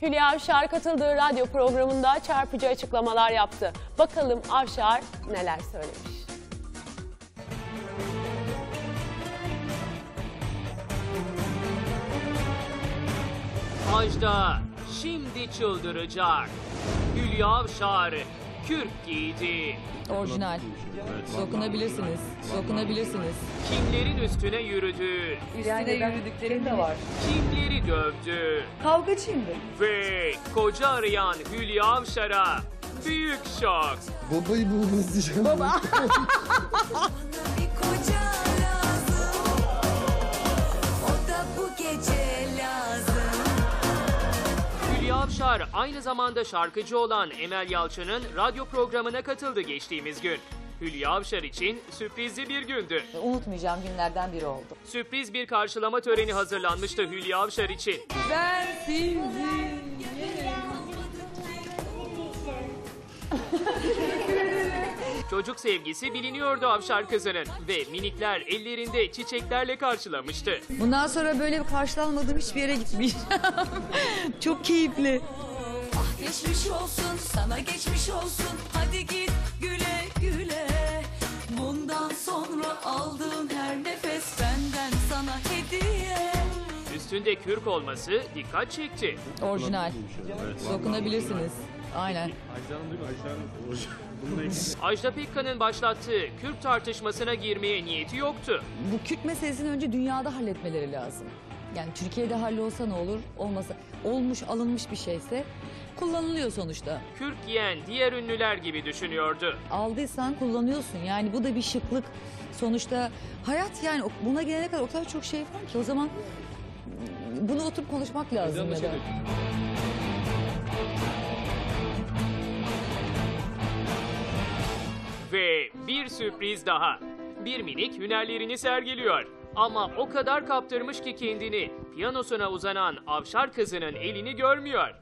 Hülya Avşar katıldığı radyo programında çarpıcı açıklamalar yaptı. Bakalım Avşar neler söylemiş. Ajda şimdi çıldıracak. Hülya Avşar kürk giydi. Orijinal. Dokunabilirsiniz. Dokunabilirsiniz. Kimlerin üstüne yürüdü. Üstüne yürüdüklerim de var. Kimleri dövdü. Kavgacıyımdır. Ve koca arayan Hülya Avşar'a büyük şok. Babayı bulmanız diyeceğim. Baba. Bir koca lazım, o da bu gece lazım. Hülya Avşar aynı zamanda şarkıcı olan Emel Yalçın'ın radyo programına katıldı geçtiğimiz gün. Hülya Avşar için sürprizli bir gündü. Unutmayacağım günlerden biri oldu. Sürpriz bir karşılama töreni hazırlanmıştı Hülya Avşar için. Ben sizi... Çocuk sevgisi biliniyordu Avşar kızının ve minikler ellerinde çiçeklerle karşılamıştı. Bundan sonra böyle bir karşılanmadığım hiçbir yere gitmeyeceğim. Çok keyifli. Ah geçmiş olsun, sana geçmiş olsun. Hadi git güle güle. Bundan sonra aldığın her nefes benden sana hediye. Üstünde kürk olması dikkat çekti. Orijinal. Dokunabilirsiniz. Aynen. Ajda Pekkan'ın başlattığı kürk tartışmasına girmeye niyeti yoktu. Bu Kürt meselesini önce dünyada halletmeleri lazım. Yani Türkiye'de hallolsa ne olur, olmasa olmuş, alınmış bir şeyse kullanılıyor sonuçta. Kürk giyen diğer ünlüler gibi düşünüyordu. Aldıysan kullanıyorsun. Yani bu da bir şıklık. Sonuçta hayat yani buna gelene kadar o kadar çok şey var ki o zaman bunu oturup konuşmak lazım ya da. Ve bir sürpriz daha. Bir minik hünerlerini sergiliyor. Ama o kadar kaptırmış ki kendini piyanosuna uzanan Avşar kızının elini görmüyor.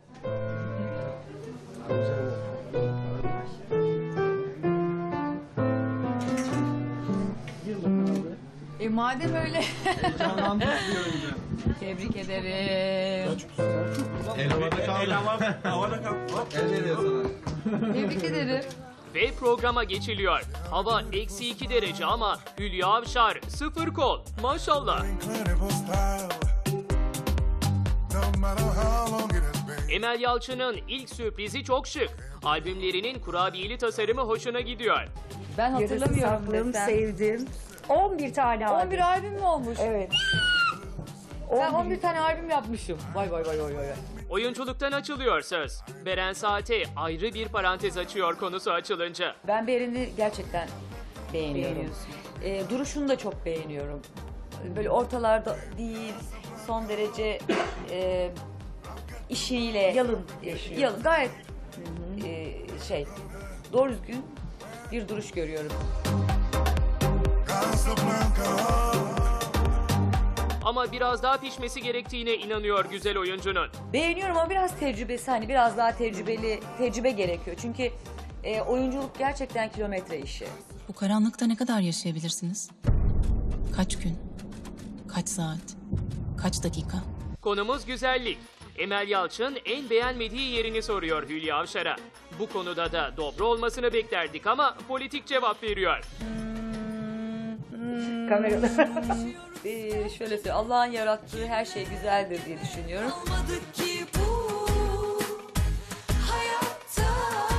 Madem öyle. Tebrik ederim. Tebrik ederim. Ve programa geçiliyor. Hava -2 derece ama Hülya Avşar 0 kol. Maşallah. Emel Yalçın'ın ilk sürprizi çok şık. Albümlerinin kurabiyeli tasarımı hoşuna gidiyor. Ben hatırlamıyorum Saklım, desem. sevdim. 11 tane albüm. 11 albüm mü olmuş? Evet. Ben 11 tane albüm yapmışım. Vay vay vay vay vay. Oyunculuktan açılıyor söz. Beren Saat'e ayrı bir parantez açıyor konusu açılınca. Ben Beren'i gerçekten beğeniyorum. Duruşunu da çok beğeniyorum. Böyle ortalarda değil, son derece işiyle... Yalın yaşıyor. Yalın, gayet doğru düzgün bir duruş görüyorum. Ama biraz daha pişmesi gerektiğine inanıyor güzel oyuncunun. Beğeniyorum ama biraz tecrübesi, hani biraz daha tecrübe gerekiyor. Çünkü oyunculuk gerçekten kilometre işi. Bu karanlıkta ne kadar yaşayabilirsiniz? Kaç gün? Kaç saat? Kaç dakika? Konumuz güzellik. Emel Yalçın en beğenmediği yerini soruyor Hülya Avşar'a. Bu konuda da dobra olmasını beklerdik ama politik cevap veriyor. Kamerada. Şöyle söyleyeyim, Allah'ın yarattığı her şey güzeldir diye düşünüyorum. Olmadı ki bu hayatta.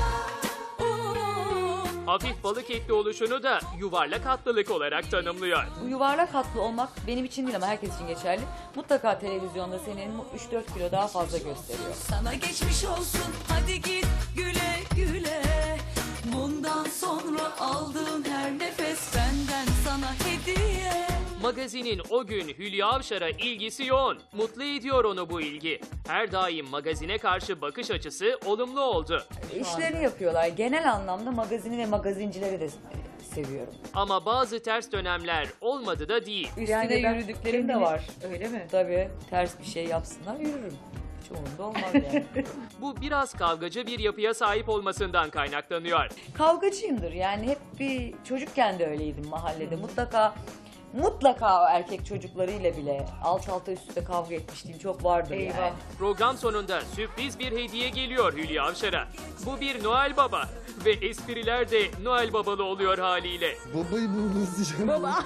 Hafif balık etli oluşunu da yuvarlak hatlılık olarak tanımlıyor. Bu yuvarlak hatlı olmak benim için değil ama herkes için geçerli. Mutlaka televizyonda senin 3-4 kilo daha fazla gösteriyor. Sana geçmiş olsun, hadi git güle güle. Bundan sonra aldığın her nefes benden sana hediye. Magazinin o gün Hülya Avşar'a ilgisi yoğun. Mutlu ediyor onu bu ilgi. Her daim magazine karşı bakış açısı olumlu oldu. İşlerini yapıyorlar. Genel anlamda magazini ve magazincileri de seviyorum. Ama bazı ters dönemler olmadı da değil. Üstüne yürüdüklerim de var. Öyle mi? Tabii ters bir şey yapsınlar yürürüm. Hiç umurumda olmaz yani. Bu biraz kavgacı bir yapıya sahip olmasından kaynaklanıyor. Kavgacıyımdır yani hep bir çocukken de öyleydim mahallede. Mutlaka mutlaka erkek çocuklarıyla bile alt alta üst üste kavga etmişliğim çok vardır yani. Program sonunda sürpriz bir hediye geliyor Hülya Avşar'a. Bu bir Noel Baba ve espriler de Noel Babalı oluyor haliyle. Babayı buldunuz diyeceğim.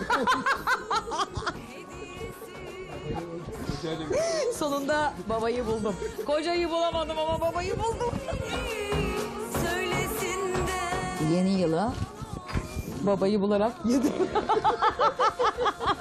Sonunda babayı buldum. Kocayı bulamadım ama babayı buldum. Söylesin de Yeni yıla babayı bularak yedim.